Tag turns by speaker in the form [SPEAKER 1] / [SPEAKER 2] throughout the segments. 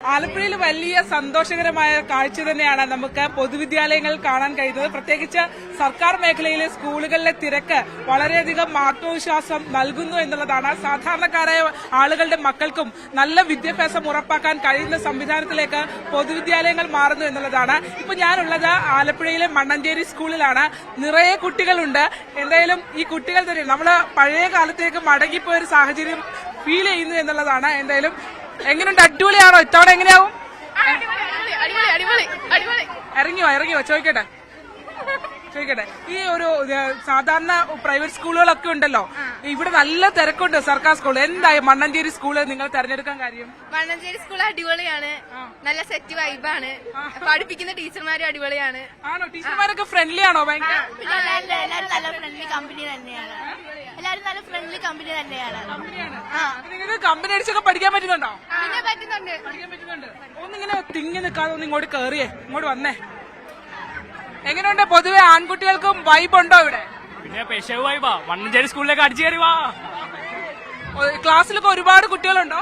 [SPEAKER 1] ആലപ്പുഴയിൽ വലിയ സന്തോഷകരമായ കാഴ്ച തന്നെയാണ് നമുക്ക് പൊതുവിദ്യാലയങ്ങളിൽ കാണാൻ കഴിയുന്നത്. പ്രത്യേകിച്ച് സർക്കാർ മേഖലയിലെ സ്കൂളുകളിലെ തിരക്ക് വളരെയധികം ആത്മവിശ്വാസം നൽകുന്നു എന്നുള്ളതാണ്. സാധാരണക്കാരായ ആളുകളുടെ മക്കൾക്കും നല്ല വിദ്യാഭ്യാസം ഉറപ്പാക്കാൻ കഴിയുന്ന സംവിധാനത്തിലേക്ക് പൊതുവിദ്യാലയങ്ങൾ മാറുന്നു എന്നുള്ളതാണ്. ഇപ്പൊ ഞാനുള്ളത് ആലപ്പുഴയിലെ മണ്ണഞ്ചേരി സ്കൂളിലാണ്. നിറയെ കുട്ടികളുണ്ട്. എന്തായാലും ഈ കുട്ടികൾ തന്നെ നമ്മള് പഴയ കാലത്തേക്ക് മടങ്ങിപ്പോയ ഒരു സാഹചര്യം ഫീൽ ചെയ്യുന്നു എന്നുള്ളതാണ്. എന്തായാലും എങ്ങനെയുണ്ട്? അടിപൊളിയാണോ? ഇത്തവണ എങ്ങനെയാവും? ഇറങ്ങിയോ ചോദിക്കട്ടെ. ഈ ഒരു സാധാരണ പ്രൈവറ്റ് സ്കൂളുകളൊക്കെ ഉണ്ടല്ലോ, ഇവിടെ നല്ല തിരക്കുണ്ട്. സർക്കാർ സ്കൂൾ എന്തായി മണ്ണഞ്ചേരി സ്കൂള് നിങ്ങൾ തെരഞ്ഞെടുക്കാൻ കാര്യം?
[SPEAKER 2] മണ്ണഞ്ചേരി സ്കൂൾ അടിപൊളിയാണ്, നല്ല സെറ്റ് വൈബാണ്, പഠിപ്പിക്കുന്ന ടീച്ചർമാരും അടിപൊളിയാണ്.
[SPEAKER 1] ആണോ? ടീച്ചർമാരൊക്കെ ഫ്രണ്ട്ലി ആണോ? ഭയങ്കര
[SPEAKER 2] എല്ലാരും നല്ല ഫ്രണ്ട്ലി കമ്പനി തന്നെയാണ്.
[SPEAKER 1] നിങ്ങൾക്ക് കമ്പനി അടിച്ചൊക്കെ പഠിക്കാൻ പറ്റുന്നുണ്ടോ?
[SPEAKER 2] പിന്നെ പറ്റുന്നുണ്ട്.
[SPEAKER 1] ഒന്നിങ്ങനെ തിങ്ങി നിൽക്കാതെ ഒന്ന് ഇങ്ങോട്ട് കേറിയേ, ഇങ്ങോട്ട് വന്നേ. എങ്ങനെയുണ്ട്? പൊതുവെ ആൺകുട്ടികൾക്കും വൈബ് ഉണ്ടോ ഇവിടെ?
[SPEAKER 3] പിന്നെ പെശവ് വൈബാ. മണ്ണഞ്ചേരി സ്കൂളിലേക്ക് അടിച്ചു കയറി വാ.
[SPEAKER 1] ക്ലാസ്സിലൊക്കെ ഒരുപാട് കുട്ടികളുണ്ടോ?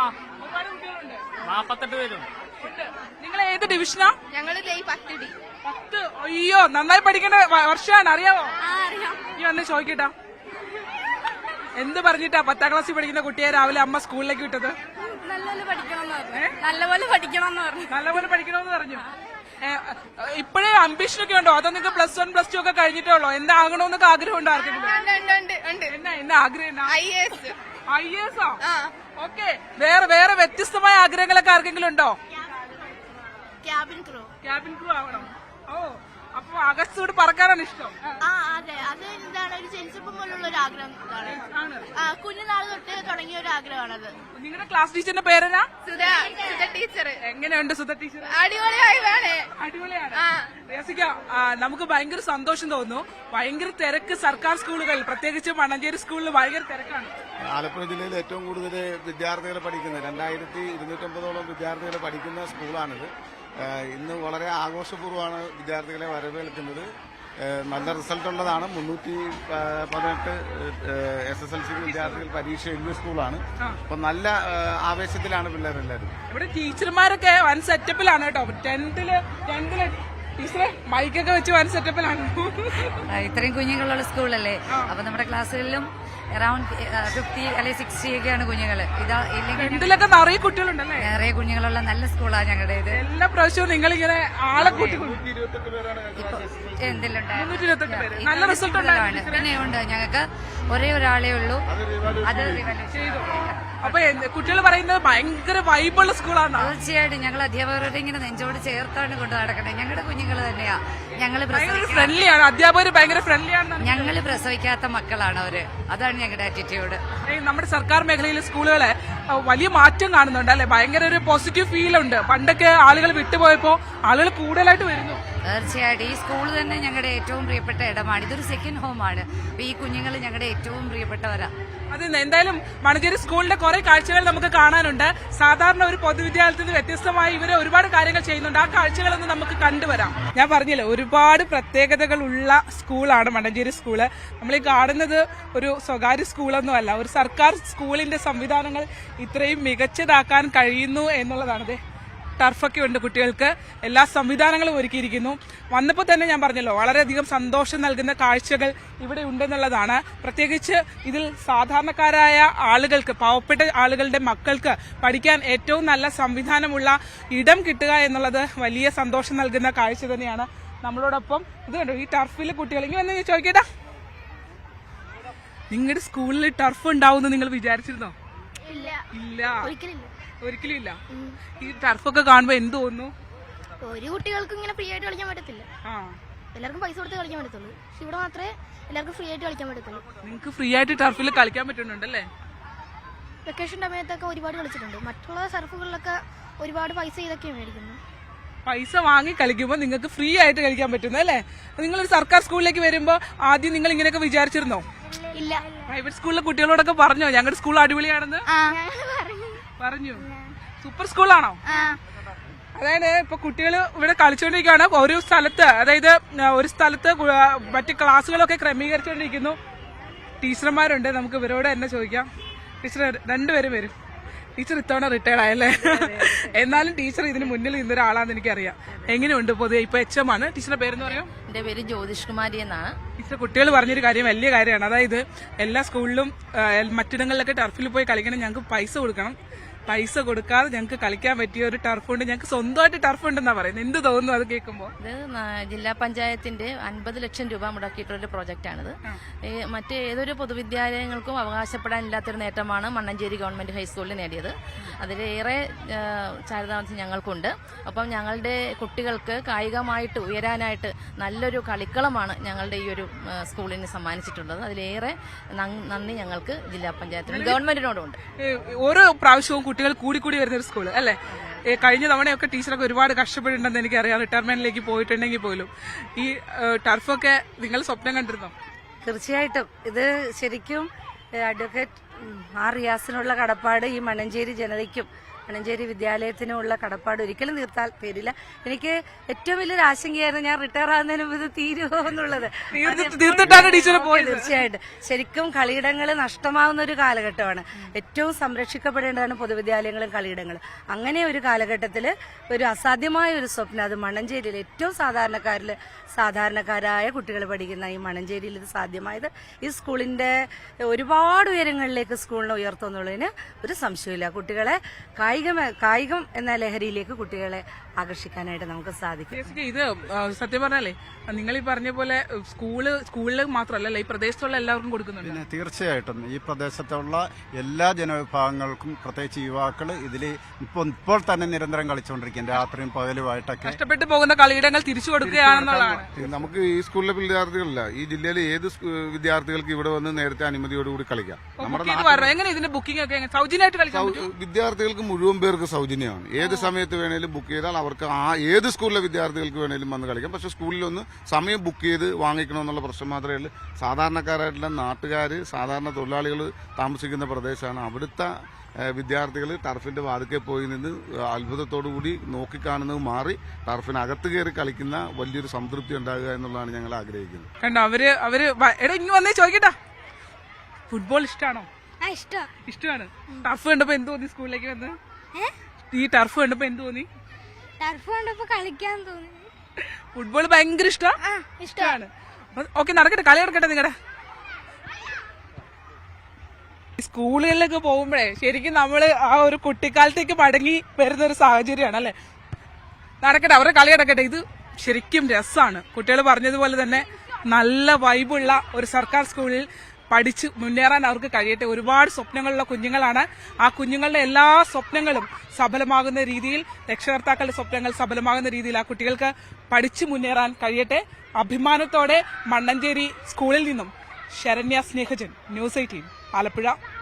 [SPEAKER 3] 48 പേരും.
[SPEAKER 1] നിങ്ങൾ ഏത് ഡിവിഷനാ?
[SPEAKER 2] ഞങ്ങള് 10D.
[SPEAKER 1] 10. അയ്യോ, നന്നായി പഠിക്കേണ്ട വർഷമാണ്. അറിയാമോ? ഈ വന്ന് ചോദിക്കട്ടാ, എന്ത് പറഞ്ഞിട്ടാ 10ാം ക്ലാസ്സിൽ പഠിക്കുന്ന കുട്ടിയെ രാവിലെ അമ്മ സ്കൂളിലേക്ക് വിട്ടത്?
[SPEAKER 2] നല്ലപോലെ പഠിക്കണമെന്ന് പറഞ്ഞു.
[SPEAKER 1] ഇപ്പോഴേ അംബിഷനൊക്കെ ഉണ്ടോ? അതോ നിങ്ങൾക്ക് +1 +2 ഒക്കെ കഴിഞ്ഞിട്ടേ ഉള്ളോ? എന്താകണമെന്നൊക്കെ ആഗ്രഹം ഉണ്ടോ ആർക്കെങ്കിലും? എന്നാ ആഗ്രഹം? IAS. ഓക്കെ. വേറെ വ്യത്യസ്തമായ ആഗ്രഹങ്ങളൊക്കെ ആർക്കെങ്കിലും ഉണ്ടോ? ക്യാബിൻ ക്രൂ ആവണം. ഓ, അപ്പൊ അകസ്റ്റോട് പറക്കാനാണ് ഇഷ്ടം?
[SPEAKER 2] അതെ, അത് എന്താണ് ഒരു ജനിച്ചപ്പം പോലുള്ള ഒരു ആഗ്രഹം. കുഞ്ഞുനാൾ തൊട്ട് തുടങ്ങിയ ഒരു ആഗ്രഹമാണത്.
[SPEAKER 1] നിങ്ങളുടെ ക്ലാസ് ടീച്ചറിന്റെ പേരെന്നാ?
[SPEAKER 2] സുധ ടീച്ചർ.
[SPEAKER 1] എങ്ങനെയുണ്ട് സുധ ടീച്ചർ? അടിപൊളിയാണ്. രസിക, നമുക്ക് ഭയങ്കര സന്തോഷം തോന്നുന്നു. ഭയങ്കര തിരക്ക് സർക്കാർ സ്കൂളുകളിൽ, പ്രത്യേകിച്ച് മണ്ണഞ്ചേരി സ്കൂളിൽ ഭയങ്കര തിരക്കാണ്.
[SPEAKER 4] ആലപ്പുഴ ജില്ലയിൽ ഏറ്റവും കൂടുതൽ വിദ്യാർത്ഥികൾ പഠിക്കുന്ന 2250ഓളം വിദ്യാർത്ഥികൾ പഠിക്കുന്ന സ്കൂളാണിത്. ഇന്ന് വളരെ ആഘോഷപൂർവ്വമാണ് വിദ്യാർത്ഥികളെ വരവേൽക്കുന്നത്. നല്ല റിസൾട്ട് ഉള്ളതാണ്. 318 SSLC വിദ്യാർത്ഥികൾ പരീക്ഷ എഴുതിയ സ്കൂളാണ്. അപ്പൊ നല്ല ആവേശത്തിലാണ് പിള്ളേരെല്ലാവരും.
[SPEAKER 1] ഇവിടെ ടീച്ചർമാരൊക്കെ വൻ സെറ്റപ്പിലാണ് കേട്ടോ. 10th ടീച്ചറെ മൈക്കൊക്കെ വെച്ച് വൻ സെറ്റപ്പിലാണ്.
[SPEAKER 5] ഇത്രയും കുഞ്ഞുങ്ങളുള്ള സ്കൂളല്ലേ, അപ്പൊ നമ്മുടെ ക്ലാസ്സുകളിലും അറൌണ്ട് 50 അല്ലെങ്കിൽ 60 ഒക്കെയാണ് കുഞ്ഞുങ്ങള്.
[SPEAKER 1] ഇതിലൊക്കെ നിറയെ കുട്ടികളുണ്ടല്ലേ?
[SPEAKER 5] നിറയെ കുഞ്ഞുങ്ങളുള്ള നല്ല സ്കൂളാണ് ഞങ്ങളുടേത്.
[SPEAKER 1] എല്ലാ പ്രാവശ്യവും നിങ്ങളിങ്ങനെ ആളെ കൂട്ടി നല്ല റിസൾട്ട്
[SPEAKER 5] ആണ്. പിന്നെ ഉണ്ട്, ഞങ്ങൾക്ക് ഒരേ ഒരാളേ ഉള്ളൂ, അത്
[SPEAKER 1] ചെയ്തു. അപ്പൊ കുട്ടികൾ പറയുന്നത് ഭയങ്കര വൈബുള്ള സ്കൂളാണ്.
[SPEAKER 5] തീർച്ചയായിട്ടും ഞങ്ങൾ അധ്യാപകരോട് ഇങ്ങനെ നെഞ്ചോട് ചേർത്താണ് കൊണ്ട് നടക്കണേ. ഞങ്ങളുടെ കുഞ്ഞുങ്ങൾ തന്നെയാ.
[SPEAKER 1] ഫ്രണ്ട്ലിയാണ്, അധ്യാപകർ ഭയങ്കര ഫ്രണ്ട്ലിയാണ്.
[SPEAKER 5] ഞങ്ങൾ പ്രസവിക്കാത്ത മക്കളാണ് അവര്. അതാണ് ഞങ്ങളുടെ ആറ്റിറ്റ്യൂഡ്.
[SPEAKER 1] നമ്മുടെ സർക്കാർ മേഖലയിലെ സ്കൂളുകളെ വലിയ മാറ്റം കാണുന്നുണ്ട് അല്ലെ? ഭയങ്കര ഒരു പോസിറ്റീവ് ഫീൽ ഉണ്ട്. പണ്ടൊക്കെ ആളുകൾ വിട്ടുപോയപ്പോ ആളുകൾ കൂടുതലായിട്ട് വരുന്നു.
[SPEAKER 5] തീർച്ചയായിട്ടും ഈ സ്കൂൾ തന്നെ ഞങ്ങളുടെ ഏറ്റവും പ്രിയപ്പെട്ട ഇടമാണ്. ഇതൊരു സെക്കൻഡ് ഹോമാണ്. അപ്പൊ ഈ കുഞ്ഞുങ്ങൾ ഞങ്ങളുടെ ഏറ്റവും പ്രിയപ്പെട്ടവരാ.
[SPEAKER 1] അത് എന്തായാലും മണ്ണഞ്ചേരി സ്കൂളിന്റെ കുറെ കാഴ്ചകൾ നമുക്ക് കാണാനുണ്ട്. സാധാരണ ഒരു പൊതുവിദ്യാലയത്തിൽ നിന്ന് വ്യത്യസ്തമായി ഇവര് ഒരുപാട് കാര്യങ്ങൾ ചെയ്യുന്നുണ്ട്. ആ കാഴ്ചകളൊന്ന് നമുക്ക് കണ്ടുവരാം. ഞാൻ പറഞ്ഞില്ലേ, ഒരുപാട് പ്രത്യേകതകളുള്ള സ്കൂളാണ് മണ്ണഞ്ചേരി സ്കൂള്. നമ്മൾ ഈ കാണുന്നത് ഒരു സ്വകാര്യ സ്കൂളൊന്നുമല്ല, ഒരു സർക്കാർ സ്കൂളിന്റെ സംവിധാനങ്ങൾ ഇത്രയും മികച്ചതാക്കാൻ കഴിയുന്നു എന്നുള്ളതാണ്. ടർഫൊക്കെ ഉണ്ട്, കുട്ടികൾക്ക് എല്ലാ സംവിധാനങ്ങളും ഒരുക്കിയിരിക്കുന്നു. വന്നപ്പോൾ തന്നെ ഞാൻ പറഞ്ഞല്ലോ, വളരെയധികം സന്തോഷം നൽകുന്ന കാഴ്ചകൾ ഇവിടെ ഉണ്ടെന്നുള്ളതാണ്. പ്രത്യേകിച്ച് ഇതിൽ സാധാരണക്കാരായ ആളുകൾക്ക്, പാവപ്പെട്ട ആളുകളുടെ മക്കൾക്ക് പഠിക്കാൻ ഏറ്റവും നല്ല സംവിധാനമുള്ള ഇടം കിട്ടുക എന്നുള്ളത് വലിയ സന്തോഷം നൽകുന്ന കാഴ്ച തന്നെയാണ്. നമ്മളോടൊപ്പം ഇത് കണ്ടോ, ഈ ടർഫിൽ കുട്ടികൾ ഇങ്ങനെ വന്ന് ചോദിക്കട്ടാ, നിങ്ങളുടെ സ്കൂളിൽ ടർഫ് ഉണ്ടാവും നിങ്ങൾ വിചാരിച്ചിരുന്നോ? ഇല്ല, ഒരിക്കലും ഇല്ല. ഈ ടർഫൊക്കെ കാണുമ്പോ എന്ത് തോന്നുന്നു?
[SPEAKER 2] ഒരു കുട്ടികൾക്ക് ഇങ്ങനെ ഫ്രീ ആയിട്ട് കളിക്കാൻ പറ്റത്തില്ല. എല്ലാവർക്കും പൈസ കൊടുത്ത് കളിക്കാൻ പറ്റത്തുള്ളൂ. ഇവിടെ മാത്രമേ എല്ലാവർക്കും ഫ്രീ ആയിട്ട് കളിക്കാൻ പറ്റത്തുള്ളൂ.
[SPEAKER 1] നിങ്ങൾക്ക് ഫ്രീ ആയിട്ട് ടർഫിൽ കളിക്കാൻ പറ്റുന്നുണ്ടല്ലേ?
[SPEAKER 2] വെക്കേഷൻ സമയത്തൊക്കെ ഒരുപാട് കളിച്ചിട്ടുണ്ട്. മറ്റുള്ള സർഫുകളിലൊക്കെ ഒരുപാട് പൈസ ഇതൊക്കെ മേടിക്കുന്നു.
[SPEAKER 1] പൈസ വാങ്ങി കളിക്കുമ്പോൾ നിങ്ങൾക്ക് ഫ്രീ ആയിട്ട് കളിക്കാൻ പറ്റുന്നു അല്ലേ? നിങ്ങളൊരു സർക്കാർ സ്കൂളിലേക്ക് വരുമ്പോ ആദ്യം നിങ്ങൾ ഇങ്ങനെയൊക്കെ വിചാരിച്ചിരുന്നോ?
[SPEAKER 2] ഇല്ല.
[SPEAKER 1] പ്രൈവറ്റ് സ്കൂളിലെ കുട്ടികളോടൊക്കെ പറഞ്ഞോ ഞങ്ങളുടെ സ്കൂൾ അടിപൊളിയാണെന്ന്? പറഞ്ഞു. സൂപ്പർ സ്കൂളാണോ? അതായത് ഇപ്പൊ കുട്ടികൾ ഇവിടെ കളിച്ചുകൊണ്ടിരിക്കുകയാണ്. ഒരു സ്ഥലത്ത്, അതായത് ഒരു സ്ഥലത്ത് മറ്റ് ക്ലാസ്സുകളൊക്കെ ക്രമീകരിച്ചുകൊണ്ടിരിക്കുന്നു. ടീച്ചർമാരുണ്ട്, നമുക്ക് ഇവരോട് തന്നെ ചോദിക്കാം. ടീച്ചർ രണ്ടുപേരും വരും. ടീച്ചർ ഇത്തവണ റിട്ടയർഡ് ആയല്ലേ? എന്നാലും ടീച്ചർ ഇതിന് മുന്നിൽ നിന്നൊരാളാന്ന് എനിക്കറിയാം. എങ്ങനെയുണ്ട് പൊതുവെ ഇപ്പൊ HM ആണ്? ടീച്ചറുടെ പേരെന്ന് പറയും?
[SPEAKER 6] എന്റെ പേര് ജ്യോതിഷ് കുമാരി എന്നാണ്.
[SPEAKER 1] ടീച്ചർ കുട്ടികൾ പറഞ്ഞൊരു കാര്യം വലിയ കാര്യമാണ്. അതായത് എല്ലാ സ്കൂളിലും മറ്റിടങ്ങളിലൊക്കെ ടർഫിൽ പോയി കളിക്കണം, ഞങ്ങൾക്ക് പൈസ കൊടുക്കണം. പൈസ കൊടുക്കാതെ ഞങ്ങൾക്ക് കളിക്കാൻ പറ്റിയ ഒരു ടർഫുണ്ട്, ഞങ്ങൾക്ക് സ്വന്തമായിട്ട് ടർഫ് ഉണ്ടെന്നാ പറയുന്നത്. എന്ത് തോന്നുന്നു അത് കേൾക്കുമ്പോൾ?
[SPEAKER 6] ഇത് ജില്ലാ പഞ്ചായത്തിന്റെ 50 ലക്ഷം രൂപ മുടക്കിയിട്ടുള്ള പ്രോജക്റ്റാണിത്. മറ്റ് ഏതൊരു പൊതുവിദ്യാലയങ്ങൾക്കും അവകാശപ്പെടാനില്ലാത്തൊരു നേട്ടമാണ് മണ്ണഞ്ചേരി ഗവൺമെന്റ് ഹൈസ്കൂളിൽ നേടിയത്. അതിലേറെ ചാരിതാർത്ഥ്യം ഞങ്ങൾക്കുണ്ട്. അപ്പം ഞങ്ങളുടെ കുട്ടികൾക്ക് കായികമായിട്ട് ഉയരാനായിട്ട് നല്ലൊരു കളിക്കളമാണ് ഞങ്ങളുടെ ഈ ഒരു സ്കൂളിന് സമ്മാനിച്ചിട്ടുള്ളത്. അതിലേറെ നന്ദി ഞങ്ങൾക്ക് ജില്ലാ പഞ്ചായത്തിനും ഗവൺമെന്റിനോടുണ്ട്.
[SPEAKER 1] ഓരോ പ്രാവശ്യവും കുട്ടികൾ കൂടി വരുന്ന ഒരു സ്കൂള് അല്ലേ? കഴിഞ്ഞ തവണയൊക്കെ ടീച്ചറൊക്കെ ഒരുപാട് കഷ്ടപ്പെട്ടിട്ടുണ്ടെന്ന് എനിക്കറിയാം, റിട്ടയർമെന്റിലേക്ക് പോയിട്ടുണ്ടെങ്കിൽ പോലും. ഈ ടർഫൊക്കെ നിങ്ങൾ സ്വപ്നം കണ്ടിരുന്നോ?
[SPEAKER 7] തീർച്ചയായിട്ടും ഇത് ശരിക്കും അഡ്വക്കേറ്റ് റിയാസിനുള്ള കടപ്പാട് ഈ മണ്ണഞ്ചേരി ജനതയ്ക്കും മണ്ണഞ്ചേരി വിദ്യാലയത്തിനുമുള്ള കടപ്പാട് ഒരിക്കലും തീർത്താൽ തീരില്ല. എനിക്ക് ഏറ്റവും വലിയൊരു ആശങ്കയായിരുന്നു ഞാൻ റിട്ടയർ ആകുന്നതിന് മുമ്പ് ഇത് തീരുമോ എന്നുള്ളത്. തീർച്ചയായിട്ടും ശരിക്കും കളിയിടങ്ങൾ നഷ്ടമാവുന്ന ഒരു കാലഘട്ടമാണ്. ഏറ്റവും സംരക്ഷിക്കപ്പെടേണ്ടതാണ് പൊതുവിദ്യാലയങ്ങളും കളിയിടങ്ങളും. അങ്ങനെ ഒരു കാലഘട്ടത്തിൽ ഒരു അസാധ്യമായ ഒരു സ്വപ്നം, അത് മണ്ണഞ്ചേരിയിൽ ഏറ്റവും സാധാരണക്കാരായ കുട്ടികൾ പഠിക്കുന്ന ഈ മണ്ണഞ്ചേരിയിൽ ഇത് സാധ്യമായത് ഈ സ്കൂളിന്റെ ഒരുപാട് ഉയരങ്ങളിലേക്ക് സ്കൂളിനെ ഉയർത്തുന്നുള്ളതിന് ഒരു സംശയമില്ല. കുട്ടികളെ കായികം എന്ന ലഹരിയിലേക്ക് കുട്ടികളെ ആകർഷിക്കാനായിട്ട് നമുക്ക് സാധിക്കും.
[SPEAKER 1] ഇത് സത്യം പറഞ്ഞാലേ നിങ്ങൾ ഈ പറഞ്ഞ പോലെ സ്കൂളിൽ മാത്രമല്ല ഈ പ്രദേശത്തുള്ള എല്ലാവർക്കും കൊടുക്കുന്നുണ്ട്.
[SPEAKER 8] പിന്നെ തീർച്ചയായിട്ടും ഈ പ്രദേശത്തുള്ള എല്ലാ ജനവിഭാഗങ്ങൾക്കും പ്രത്യേകിച്ച് യുവാക്കൾ ഇതിൽ ഇപ്പോൾ തന്നെ നിരന്തരം കളിച്ചുകൊണ്ടിരിക്കും, രാത്രിയും പകലുമായിട്ടൊക്കെ.
[SPEAKER 1] കഷ്ടപ്പെട്ടു പോകുന്ന കളിയിടങ്ങൾ തിരിച്ചു കൊടുക്കുകയാണെന്നുള്ളതാണ്.
[SPEAKER 4] നമുക്ക് ഈ സ്കൂളിലെ വിദ്യാർത്ഥികളല്ല, ഈ ജില്ലയിലെ ഏത് വിദ്യാർത്ഥികൾക്ക് ഇവിടെ വന്ന് നേരത്തെ അനുമതിയോടുകൂടി കളിക്കാം.
[SPEAKER 1] എങ്ങനെ ഇതിന്റെ ബുക്കിംഗ് ഒക്കെ സൗജന്യമായിട്ട് കളിക്കാം?
[SPEAKER 4] വിദ്യാർത്ഥികൾക്ക് മുഴുവൻ പേർക്ക് സൗജന്യമാണ്. ഏത് സമയത്ത് വേണേലും ബുക്ക് ചെയ്താൽ അവർക്ക് ഏത് സ്കൂളിലെ വിദ്യാർത്ഥികൾക്ക് വേണേലും വന്ന് കളിക്കാം. പക്ഷെ സ്കൂളിലൊന്ന് സമയം ബുക്ക് ചെയ്ത് വാങ്ങിക്കണമെന്നുള്ള പ്രശ്നം മാത്രമേ ഉള്ളൂ. സാധാരണക്കാരായിട്ടുള്ള നാട്ടുകാർ, സാധാരണ തൊഴിലാളികൾ താമസിക്കുന്ന പ്രദേശമാണ്. അവിടുത്തെ വിദ്യാർത്ഥികൾ ടർഫിന്റെ വാതിക്കെ പോയി നിന്ന് അത്ഭുതത്തോടുകൂടി നോക്കിക്കാണുന്നത് മാറി ടർഫിനകത്ത് കയറി കളിക്കുന്ന വലിയൊരു സംതൃപ്തി ഉണ്ടാകുക എന്നുള്ളതാണ് ഞങ്ങൾ ആഗ്രഹിക്കുന്നത്.
[SPEAKER 1] കണ്ടോ അവര് എടാ ഇനി വന്നേ ചോദിക്കട്ടാ, ഫുട്ബോൾ ഇഷ്ടമാണോ? ഇഷ്ടമാണ്. ടർഫ് കണ്ടപ്പോ എന്ത് തോന്നി? സ്കൂളിലേക്ക് വന്ന് ഈ ടർഫ് കണ്ടപ്പോ എന്ത് തോന്നി?
[SPEAKER 2] ടർഫ് കണ്ടപ്പോ കളിക്കാൻ തോന്നി.
[SPEAKER 1] ഫുട്ബോൾ ഭയങ്കര ഇഷ്ടമാണ്. ഓക്കെ, നടക്കട്ടെ, കളി നടക്കട്ടെ. നിങ്ങളുടെ സ്കൂളുകളിലൊക്കെ പോകുമ്പോഴേ ശരിക്കും നമ്മള് ആ ഒരു കുട്ടിക്കാലത്തേക്ക് മടങ്ങി വരുന്ന ഒരു സാഹചര്യമാണ് അല്ലെ? നടക്കട്ടെ, അവരുടെ കളി നടക്കട്ടെ. ഇത് ശരിക്കും രസമാണ്. കുട്ടികൾ പറഞ്ഞതുപോലെ തന്നെ നല്ല വൈബുള്ള ഒരു സർക്കാർ സ്കൂളിൽ പഠിച്ച് മുന്നേറാൻ അവർക്ക് കഴിയട്ടെ. ഒരുപാട് സ്വപ്നങ്ങളുള്ള കുഞ്ഞുങ്ങളാണ്. ആ കുഞ്ഞുങ്ങളുടെ എല്ലാ സ്വപ്നങ്ങളും സഫലമാകുന്ന രീതിയിൽ, രക്ഷകർത്താക്കളുടെ സ്വപ്നങ്ങൾ സഫലമാകുന്ന രീതിയിൽ ആ കുട്ടികൾക്ക് പഠിച്ചു മുന്നേറാൻ കഴിയട്ടെ. അഭിമാനത്തോടെ മണ്ണഞ്ചേരി സ്കൂളിൽ നിന്നും ശരണ്യ സ്നേഹജൻ, ന്യൂസ് 18 ആലപ്പുഴ.